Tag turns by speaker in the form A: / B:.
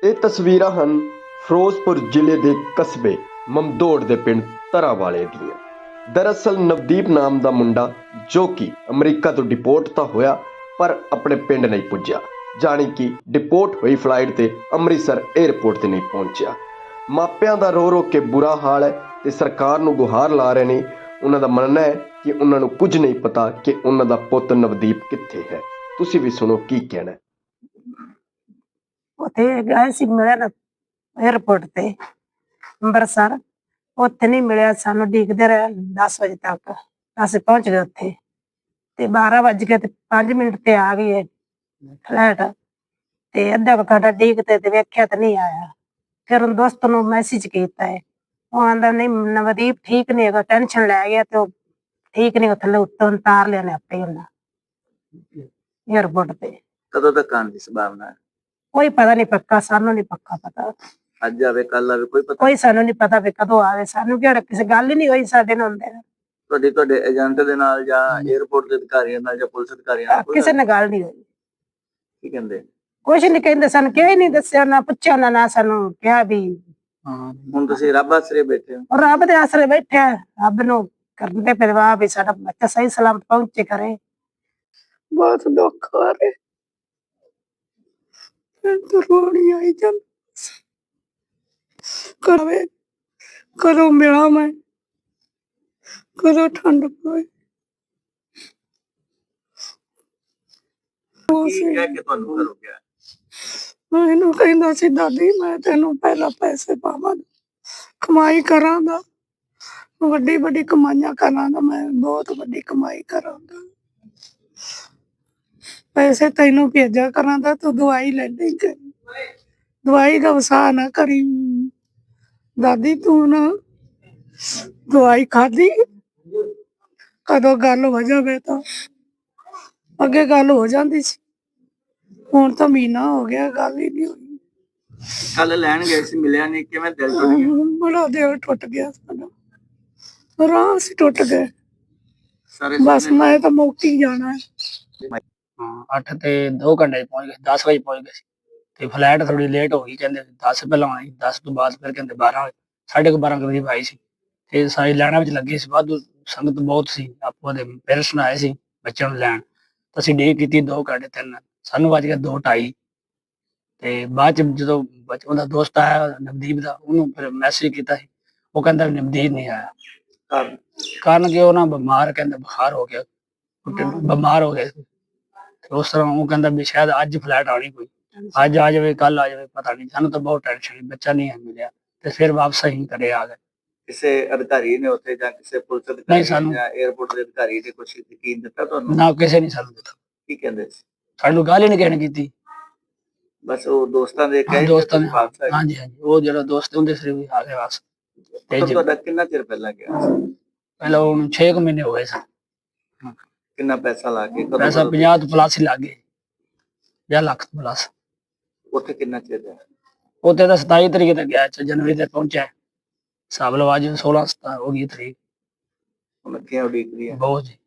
A: ਇਹ ਤਸਵੀਰਾਂ ਹਨ ਫਿਰੋਜ਼ਪੁਰ ਜ਼ਿਲ੍ਹੇ ਦੇ ਕਸਬੇ ਮਮਦੋੜ ਦੇ ਪਿੰਡ ਤਰਾਵਾਲੇ ਦੀਆਂ। ਦਰਅਸਲ ਨਵਦੀਪ ਨਾਮ ਦਾ ਮੁੰਡਾ ਜੋ ਕਿ ਅਮਰੀਕਾ ਤੋਂ ਡਿਪੋਰਟ ਤਾਂ ਹੋਇਆ ਪਰ ਆਪਣੇ ਪਿੰਡ ਨਹੀਂ ਪੁੱਜਿਆ, ਜਾਣੀ ਕਿ ਡਿਪੋਰਟ ਹੋਈ ਫਲਾਈਟ ਤੇ ਅੰਮ੍ਰਿਤਸਰ ਏਅਰਪੋਰਟ ਤੇ ਨਹੀਂ ਪਹੁੰਚਿਆ। ਮਾਪਿਆਂ ਦਾ ਰੋ ਰੋ ਕੇ ਬੁਰਾ ਹਾਲ ਹੈ ਤੇ ਸਰਕਾਰ ਨੂੰ ਗੁਹਾਰ ਲਾ ਰਹੇ ਨੇ। ਉਹਨਾਂ ਦਾ ਮੰਨਣਾ ਹੈ ਕਿ ਉਹਨਾਂ ਨੂੰ ਕੁਝ ਨਹੀਂ ਪਤਾ ਕਿ ਉਹਨਾਂ ਦਾ ਪੁੱਤ ਨਵਦੀਪ ਕਿੱਥੇ ਹੈ। ਤੁਸੀਂ ਵੀ ਸੁਣੋ ਕੀ ਕਹਿਣਾ ਹੈ।
B: ਉੱਥੇ ਗਏ ਸੀ ਮਿਲਣ ਏਅਰਪੋਰਟ ਤੇ ਅੰਮ੍ਰਿਤਸਰ। ਉੱਥੇ ਨਹੀਂ ਮਿਲਿਆ, ਸਾਨੂੰ ਉਡੀਕਦੇ ਰਹੇ 10 ਵਜੇ ਤੱਕ। ਅਸੀਂ ਪਹੁੰਚ ਗਏ ਉੱਥੇ ਤੇ 12 ਵੱਜ ਕੇ ਤੇ 5 ਮਿੰਟ ਤੇ ਆ ਗਈ ਫਲੈਟ ਤੇ ਅੱਧਾ ਘੰਟਾ ਉਡੀਕਦੇ ਤੇ ਵੇਖਿਆ ਤੇ ਨਹੀਂ ਆਇਆ। ਫਿਰ ਉਹ ਦੋਸਤ ਨੂੰ ਮੈਸੇਜ ਕੀਤਾ ਹੈ, ਉਹ ਆਂਦਾ ਨਹੀਂ ਨਵਦੀਪ ਠੀਕ ਨਹੀਂ ਹੈਗਾ, ਟੈਨਸ਼ਨ ਲੈ ਗਿਆ ਤੇ ਉਹ ਠੀਕ ਨਹੀਂ, ਥੱਲੇ ਉੱਤੋਂ ਉਤਾਰ ਲਿਆ ਨੇ ਆਪੇ ਉਹਨਾਂ ਏਅਰਪੋਰਟ ਤੇ।
C: ਕਦੋਂ ਤੱਕ ਆਉਣ ਦੀ ਸੰਭਾਵਨਾ ਹੈ?
B: ਕੋਈ ਪਤਾ ਨਹੀਂ ਪੱਕਾ, ਸਾਨੂੰ ਨਹੀਂ ਪੱਕਾ ਪਤਾ।
C: ਅੱਜ ਆਵੇ ਕੱਲ ਆਵੇ ਕੋਈ ਪਤਾ?
B: ਕੋਈ ਸਾਨੂੰ ਨਹੀਂ ਪਤਾ ਵੀ ਕਦੋਂ ਆਵੇ, ਸਾਨੂੰ ਕਿਹੜਾ ਕਿਸੇ ਗੱਲ ਹੀ ਨਹੀਂ ਹੋਈ ਸਾਡੇ ਨਾਲ ਹੁੰਦੇ।
C: ਤੁਹਾਡੇ ਏਜੰਟ ਦੇ ਨਾਲ ਜਾਂ 에어ਪੋਰਟ ਦੇ ਅਧਿਕਾਰੀਆਂ ਨਾਲ ਜਾਂ ਪੁਲਿਸ ਅਧਿਕਾਰੀਆਂ ਨਾਲ
B: ਕਿਸੇ ਨਾਲ ਗੱਲ ਨਹੀਂ ਹੋਈ।
C: ਕੀ ਕਹਿੰਦੇ?
B: ਕੁਛ ਨਹੀਂ ਕਹਿੰਦੇ, ਸਾਨੂੰ ਕਿਹਾ ਹੀ ਨਹੀਂ, ਦੱਸਿਆ ਨਾ ਪੁੱਛਿਆ ਨਾ ਸਾਨੂੰ ਕਿਹਾ ਵੀ।
C: ਹੁਣ ਤੁਸੀਂ ਰੱਬ ਆਸਰੇ ਬੈਠੇ ਹੋ?
B: ਰੱਬ ਦੇ ਆਸਰੇ ਬੈਠੇ ਆ, ਰੱਬ ਨੂੰ ਕਰਦੇ ਪਰਵਾਹ ਵੀ ਸਾਡਾ ਬੱਚਾ ਸਹੀ ਸਲਾਮਤ ਪਹੁੰਚੇ ਕਰੇ। ਬਹੁਤ ਦੁੱਖ ਆ ਰਿਹਾ, ਰੋਣੀ ਆਈ ਚੱਲ ਕਰੇ, ਕਦੋਂ ਮਿਲਾਂ ਮੈਂ, ਕਦੋਂ ਠੰਡ ਪਵੇ।
C: ਕੀ ਕਹਿ ਕੇ ਤੁਹਾਨੂੰ ਘਰੋਂ ਗਿਆ?
B: ਇਹਨੂੰ ਕਹਿੰਦਾ ਸੀ ਦਾਦੀ ਮੈਂ ਤੈਨੂੰ ਪਹਿਲਾਂ ਪੈਸੇ ਪਾਵਾਂ, ਕਮਾਈ ਕਰਾਂਗਾ, ਵੱਡੀ ਵੱਡੀ ਕਮਾਈਆਂ ਕਰਾਂਗਾ, ਮੈਂ ਬਹੁਤ ਵੱਡੀ ਕਮਾਈ ਕਰਾਂਗਾ, ਪੈਸੇ ਤੈਨੂੰ ਭੇਜਿਆ ਕਰਾਂਗਾ, ਤੂੰ ਦਵਾਈ ਲੈ ਲਈ, ਦਵਾਈ ਦਾ ਵਸਾ ਨਾ ਕਰੀ ਦਾਦੀ, ਤੂੰ ਨਾ ਦਵਾਈ ਖਾਦੀ, ਕਦੋਂ ਗੱਲ ਹੋ ਜਾਵੇ ਤਾਂ ਅੱਗੇ ਗੱਲ ਹੋ ਜਾਂਦੀ ਸੀ, ਹੁਣ ਤਾਂ ਮਹੀਨਾ ਹੋ ਗਿਆ ਗੱਲ ਹੀ ਨਹੀਂ ਹੋਈ।
C: ਕੱਲ ਲੈਣ ਗਏ ਸੀ, ਮਿਲਿਆ ਨਹੀਂ, ਕਿਵੇਂ ਦਿਲ ਟੁੱਟ ਗਿਆ?
B: ਬੜਾ ਦਿਲ ਟੁੱਟ ਗਿਆ ਸਾਡਾ, ਰਾਹ ਸੀ ਟੁੱਟ ਗਏ।
C: ਸਾਰੇ
B: ਬਸ ਮੈਂ ਤਾਂ ਮੌਕੀ ਜਾਣਾ ਹੈ।
D: 8 ਤੇ 2 ਘੰਟੇ ਪਹੁੰਚ ਗਏ, 10 ਵਜੇ ਪਹੁੰਚ ਗਏ ਸੀ ਤੇ ਫਲਾਈਟ ਥੋੜੀ ਲੇਟ ਹੋ ਗਈ, ਕਹਿੰਦੇ 10 ਪਹਿਲਾਂ ਆਈ, 10 ਤੋਂ ਬਾਅਦ ਫਿਰ ਕਹਿੰਦੇ 12 ਵਜੇ, 12:30 ਕਰੀਬ ਆਈ ਸੀ ਤੇ ਸਾਰੀ ਲਾਈਨਾਂ ਵਿੱਚ ਲੱਗੀ ਸੀ, ਵਾਧੂ ਸੰਗਤ ਬਹੁਤ ਸੀ। ਆਪੋ ਦੇ ਪੇਰੈਂਟਸ ਆਏ ਸੀ ਬੱਚਿਆਂ ਨੂੰ ਲੈਣ, ਅਸੀਂ ਡੇ ਕੀਤੀ 2 ਘੰਟੇ 3, ਸਾਨੂੰ ਵੱਜ ਗਿਆ 2:30 ਤੇ ਬਾਅਦ ਚ ਜਦੋਂ ਉਹਦਾ ਦੋਸਤ ਆਇਆ ਨਵਦੀਪ ਦਾ, ਉਹਨੂੰ ਫਿਰ ਮੈਸੇਜ ਕੀਤਾ ਸੀ, ਉਹ ਕਹਿੰਦਾ ਨਵਦੀਪ ਨਹੀਂ ਆਇਆ। ਕਾਰਨ ਕਿ ਉਹ ਨਾ ਬਿਮਾਰ, ਕਹਿੰਦਾ ਬੁਖਾਰ ਹੋ ਗਿਆ, ਬਿਮਾਰ ਹੋ ਗਿਆ। ਉਸ ਤਰ੍ਹਾਂ ਉਹ ਕਹਿੰਦਾ ਵੀ ਸ਼ਾਇਦ ਅੱਜ ਫਲੈਟ ਆਉਣੀ, ਕੋਈ ਅੱਜ ਆ ਜਾਵੇ ਕੱਲ ਆ ਜਾਵੇ, ਪਤਾ ਨਹੀਂ। ਸਾਨੂੰ ਤਾਂ ਬਹੁਤ ਟੈਨਸ਼ਨ, ਬੱਚਾ ਨਹੀਂ ਮਿਲਿਆ ਤੇ ਫਿਰ ਵਾਪਸ ਅਸੀਂ ਘਰੇ ਆ ਗਏ।
C: ਕਿਸੇ ਅਧਿਕਾਰੀ ਨੇ ਉੱਥੇ ਜਾਂ ਕਿਸੇ ਪੁਲਿਸ ਅਧਿਕਾਰੀ ਜਾਂ 에어ਪੋਰਟ ਦੇ ਅਧਿਕਾਰੀ ਨੇ ਕੁਝ ਯਕੀਨ ਦਿੱਤਾ ਤੁਹਾਨੂੰ?
D: ਨਾ, ਕਿਸੇ ਨੇ ਸਾਨੂੰ ਦਿੱਤਾ।
C: ਕੀ ਕਹਿੰਦੇ ਸੀ?
D: ਸਾਨੂੰ ਗੱਲ ਹੀ ਨਹੀਂ ਕਹਿਣ ਕੀਤੀ,
C: ਬਸ ਉਹ ਦੋਸਤਾਂ ਦੇ ਕਹੇ
D: ਦੋਸਤਾਂ ਨੇ। ਹਾਂਜੀ, ਉਹ ਜਿਹੜਾ ਦੋਸਤ ਹੁੰਦੇ ਸੀ ਵੀ ਆ ਗਏ ਵਾਪਸ।
C: ਤੁਹਾਡਾ ਕਿੰਨਾ ਚਿਰ ਪਹਿਲਾਂ ਗਿਆ ਸੀ?
D: ਪਹਿਲਾਂ ਉਹਨੂੰ 6 ਮਹੀਨੇ ਹੋ ਗਏ ਸਨ।
C: ਕਿੰਨਾ ਪੈਸਾ ਲਾ ਕੇ?
D: ਪੈਸਾ 50 ਤੋਂ ਪਲੱਸ ਹੀ ਲੱਗ ਗਏ, 50 ਲੱਖ ਤੋਂ ਪਲੱਸ।
C: ਉੱਥੇ ਕਿੰਨਾ ਚਿਰ ਹੈ?
D: ਉੱਥੇ ਤਾਂ 27 ਤਰੀਕ ਤੱਕ ਗਿਆ, ਜਨਵਰੀ ਤੱਕ ਪਹੁੰਚਿਆ। ਹਿਸਾਬ ਲਵਾ ਜੀ 16 17 ਹੋ ਗਈ ਤਰੀਕ।
C: ਹੁਣ ਕਿਉਂ ਉਡੀਕ ਰਹੀ ਹੈ?
D: ਬਹੁਤ ਜੀ।